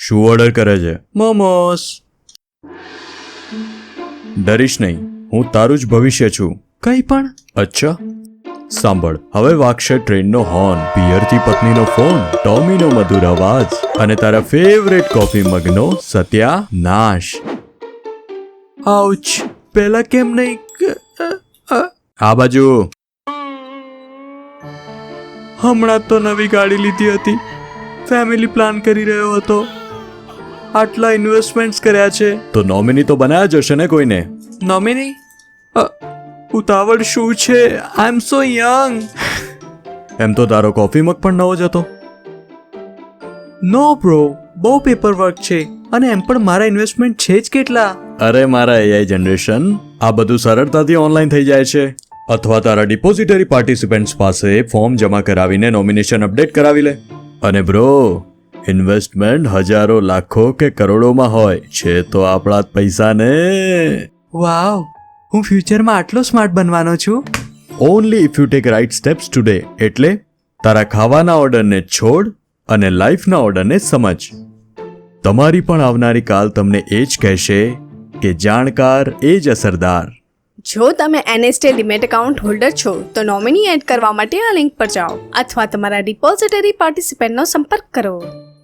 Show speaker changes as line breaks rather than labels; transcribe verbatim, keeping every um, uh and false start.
શું ઓર્ડર કરે છે? મોમોસ. ડરીશ નહીં, હું તારું જ ભવિષ્ય છું. કંઈ પણ? અચ્છા, સાંભળ, હવે વાગશે ટ્રેનનો હોર્ન, પિયરથી પત્નીનો ફોન, ટોમીનો મધુર અવાજ અને તારા ફેવરેટ કોફી મગનો સત્યાનાશ. આઉચ, પેલા કેમ નહીં? આ બાજુ. હમણાં તો નવી ગાડી લીધી હતી, ફેમિલી પ્લાન કરી રહ્યો હતો, આટલા ઇન્વેસ્ટમેન્ટ્સ કર્યા છે, તો નોમિની તો બનાવ્યા જ હશે ને કોઈને? નોમિની? ઉતાવળ શું છે? આઈ એમ સો યંગ. એમ તો તારો કોફી મગ પણ નવો જ હતો. નો બ્રો, બહુ પેપર વર્ક છે અને એમ પણ મારા ઇન્વેસ્ટમેન્ટ છે જ કેટલા. અરે મારા એઆઈ જનરેશન, આ બધું સરળતાથી ઓનલાઈન થઈ જાય છે. અથવા તારા ડિપોઝિટરી પાર્ટિસિપન્ટ્સ પાસે ફોર્મ જમા કરાવીને નોમિનેશન અપડેટ કરાવી લે. અને બ્રો, ઇન્વેસ્ટમેન્ટ હજારો લાખો કે કરોડોમાં હોય છે તો આપણા જ પૈસા ને. વાવ, હું ફ્યુચરમાં આટલો સ્માર્ટ બનવાનો છું. Only if you take right steps today. એટલે તારા ખાવાના ઓર્ડરને છોડ અને લાઈફના ઓર્ડરને સમજ. તમારી પણ આવનારી કાલ તમને એ જ કહેશે કે જાણકાર એ જ અસરદાર.
જો તમે એનએસટે ડિમેટ એકાઉન્ટ હોલ્ડર છો તો નોમિની એડ કરવા માટે આ લિંક પર જાઓ અથવા તમારા ડિપોઝિટરી પાર્ટિસિપન્ટનો સંપર્ક કરો.